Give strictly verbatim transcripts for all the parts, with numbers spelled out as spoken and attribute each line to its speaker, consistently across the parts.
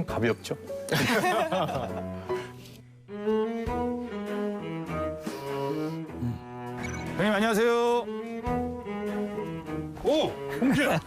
Speaker 1: 가볍죠.
Speaker 2: 형님 안녕하세요.
Speaker 1: 오! 홍기야!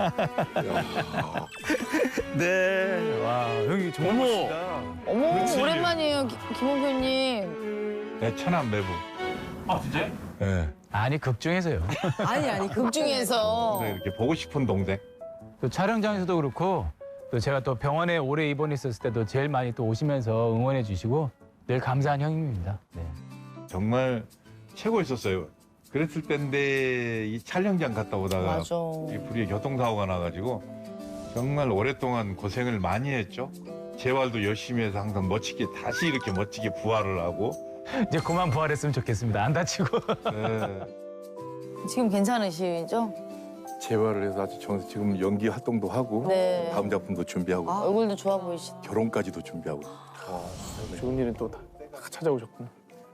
Speaker 2: 네. 와 형님 정말 멋지다.
Speaker 3: 어머,
Speaker 1: 그렇지.
Speaker 3: 오랜만이에요, 기- 김홍표님.
Speaker 1: 내 천안 매부.
Speaker 2: 아 진짜요?
Speaker 1: 예.
Speaker 2: 아니 극중에서요.
Speaker 3: 아니, 아니, 극 중에서.
Speaker 1: 네, 이렇게 보고 싶은 동생.
Speaker 2: 또 촬영장에서도 그렇고 또 제가 또 병원에 오래 입원했었을 때도 제일 많이 또 오시면서 응원해 주시고 늘 감사한 형님입니다. 네.
Speaker 1: 정말 최고였었어요. 그랬을 때인데 이 촬영장 갔다 오다가
Speaker 3: 맞아.
Speaker 1: 이 불의의 교통사고가 나가지고 정말 오랫동안 고생을 많이 했죠. 재활도 열심히 해서 항상 멋지게 다시 이렇게 멋지게 부활을 하고.
Speaker 2: 이제 그만 부활했으면 좋겠습니다. 안 다치고.
Speaker 1: 네.
Speaker 3: 지금 괜찮으시죠?
Speaker 4: 재활을 해서 아주 정 지금 연기 활동도 하고
Speaker 3: 네.
Speaker 4: 다음 작품도 준비하고
Speaker 3: 얼굴도 좋아 보이시다.
Speaker 4: 결혼까지도 준비하고.
Speaker 5: 좋은 일은 또 다 찾아오셨구나.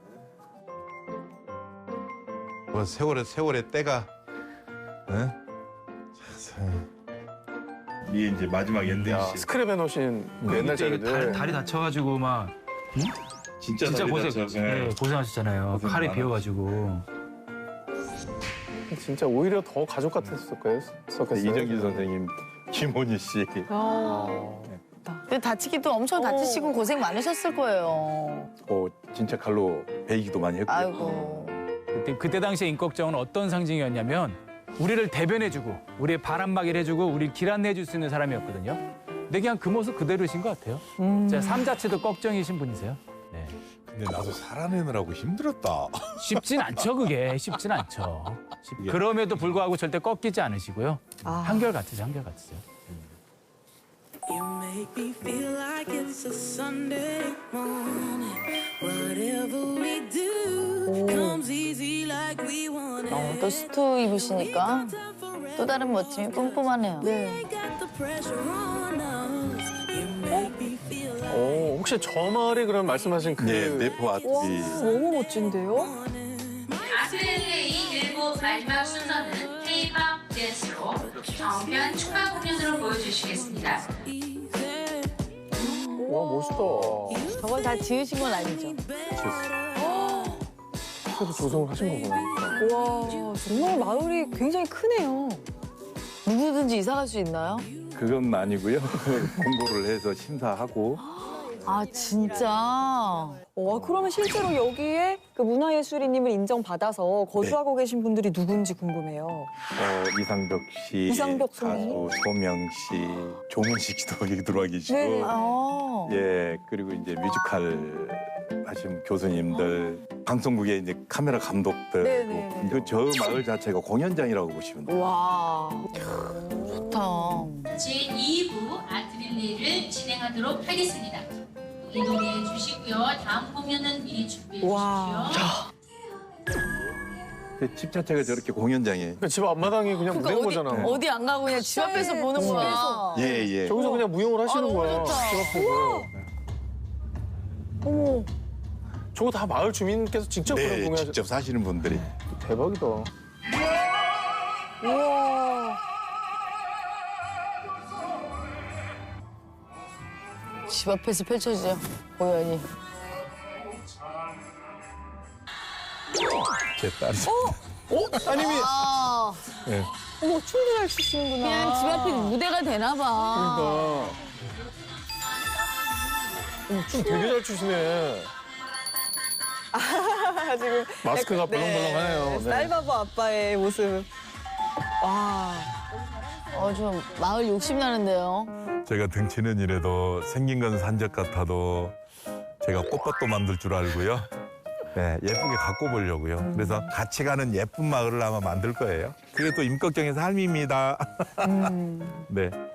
Speaker 1: 뭐 세월의 세월의 때가. 네? 이게 이제 마지막 엔딩
Speaker 5: 야,
Speaker 1: 씬.
Speaker 5: 스크랩 해놓으신 옛날
Speaker 2: 그때
Speaker 5: 자료들.
Speaker 2: 다리, 다리 다쳐가지고 막
Speaker 1: 진짜,
Speaker 2: 진짜
Speaker 1: 다리
Speaker 2: 고생
Speaker 1: 다쳐서.
Speaker 2: 네, 고생하셨잖아요.
Speaker 1: 고생
Speaker 2: 칼이
Speaker 1: 많았죠.
Speaker 2: 비어가지고.
Speaker 5: 진짜 오히려 더 가족 같았을 거예요. 썼겠어요.
Speaker 4: 이정길 선생님, 김원희 씨.
Speaker 3: 근데 다치기도 엄청 다치시고 고생 많으셨을 거예요.
Speaker 4: 어, 진짜 칼로 베이기도 많이 했고요.
Speaker 3: 아이고.
Speaker 2: 그때, 그때 당시에 임꺽정은 어떤 상징이었냐면 우리를 대변해주고 우리의 바람막이를 해주고 우리 길 안내해줄 수 있는 사람이었거든요. 근데 그냥 그 모습 그대로신 것 같아요. 진짜 삶 자체도 꺽정이신 분이세요. 네.
Speaker 1: 근데 나도 살아내느라고 힘들었다.
Speaker 2: 쉽진 않죠, 그게. 쉽진 않죠. 쉽-
Speaker 1: 이게-
Speaker 2: 그럼에도 불구하고 절대 꺾이지 않으시고요. 한결같으세요, 한결같으세요.
Speaker 6: You make me feel like it's a Sunday morning. Whatever we do comes easy like we want
Speaker 3: 어,
Speaker 6: it.
Speaker 3: 또 수트 입으시니까 또 다른 멋짐이 뿜뿜하네요. 네.
Speaker 6: Ain't got the pressure on us. You make me feel like
Speaker 5: 오, 혹시 저 말이 그럼 말씀하신 그
Speaker 4: 네, 네포 아트리.
Speaker 7: 너무 멋진데요?
Speaker 8: 아트릴레이 일곱 마지막 순서는 K-팝 댄스로 정면 축하 공연으로 보여주시겠습니다.
Speaker 5: 와, 멋있다.
Speaker 3: 저걸 다 지으신 건 아니죠?
Speaker 5: 그래도 조성을 하신 거구나.
Speaker 7: 와, 정말 마을이 굉장히 크네요.
Speaker 3: 누구든지 이사 갈 수 있나요?
Speaker 4: 그건 아니고요. 공고를 해서 심사하고
Speaker 3: 아, 진짜?
Speaker 7: 와, 그러면 실제로 여기에 그 문화예술인님을 인정받아서 거주하고 계신 분들이 누군지 궁금해요.
Speaker 4: 어, 이상벽 씨,
Speaker 7: 이상벽
Speaker 4: 가수
Speaker 7: 선생님?
Speaker 4: 소명 씨, 조문식 씨도 여기 들어와 계시고,
Speaker 7: 네네.
Speaker 3: 아.
Speaker 4: 예, 그리고 이제 뮤지컬 하신 교수님들, 방송국의 이제 카메라 감독들,
Speaker 7: 네네.
Speaker 4: 그 저 마을 자체가 공연장이라고 보시면 돼요.
Speaker 3: 와. 좋다.
Speaker 8: 제이 부 아트릴레이를 진행하도록 하겠습니다. 이동해 주시고요. 다음 공연은 미리 준비해
Speaker 7: 와.
Speaker 8: 주십시오.
Speaker 4: 그 집 자체가 저렇게 공연장이에요.
Speaker 5: 그집 앞마당이 그냥
Speaker 3: 그러니까
Speaker 5: 무대인
Speaker 3: 어디,
Speaker 5: 거잖아.
Speaker 3: 어디 안 가고 그냥 집 앞에서
Speaker 7: 네,
Speaker 3: 보는
Speaker 7: 집
Speaker 3: 거야.
Speaker 4: 예, 예.
Speaker 5: 저기서 그냥 무용을 하시는
Speaker 3: 아, 너무
Speaker 5: 거야.
Speaker 3: 좋다.
Speaker 5: 집 앞에서.
Speaker 7: 어머,
Speaker 5: 저거 다 마을 주민께서 직접 그런
Speaker 4: 네,
Speaker 5: 공연
Speaker 4: 직접 사시는 분들이.
Speaker 5: 대박이다.
Speaker 7: 우와.
Speaker 3: 집 앞에서 펼쳐지죠, 공연이.
Speaker 4: 제 딸이.
Speaker 5: 어? 따님이
Speaker 3: 아,
Speaker 7: 어머, 춤도 잘 추시는구나.
Speaker 3: 그냥 집 앞에 무대가 되나 봐.
Speaker 5: 그러니까. 어, 춤 되게 잘 추시네.
Speaker 7: 지금
Speaker 5: 마스크가
Speaker 7: 약간,
Speaker 5: 벌렁벌렁하네요. 네.
Speaker 7: 쌀바보 아빠의 모습. 와.
Speaker 3: 어, 좀 마을 욕심 나는데요.
Speaker 9: 제가 등치는 이래도 생긴 건 산적 같아도 제가 꽃밭도 만들 줄 알고요. 네, 예쁘게 갖고 보려고요. 그래서 같이 가는 예쁜 마을을 아마 만들 거예요. 그게 또 임꺽정의 삶입니다. 네.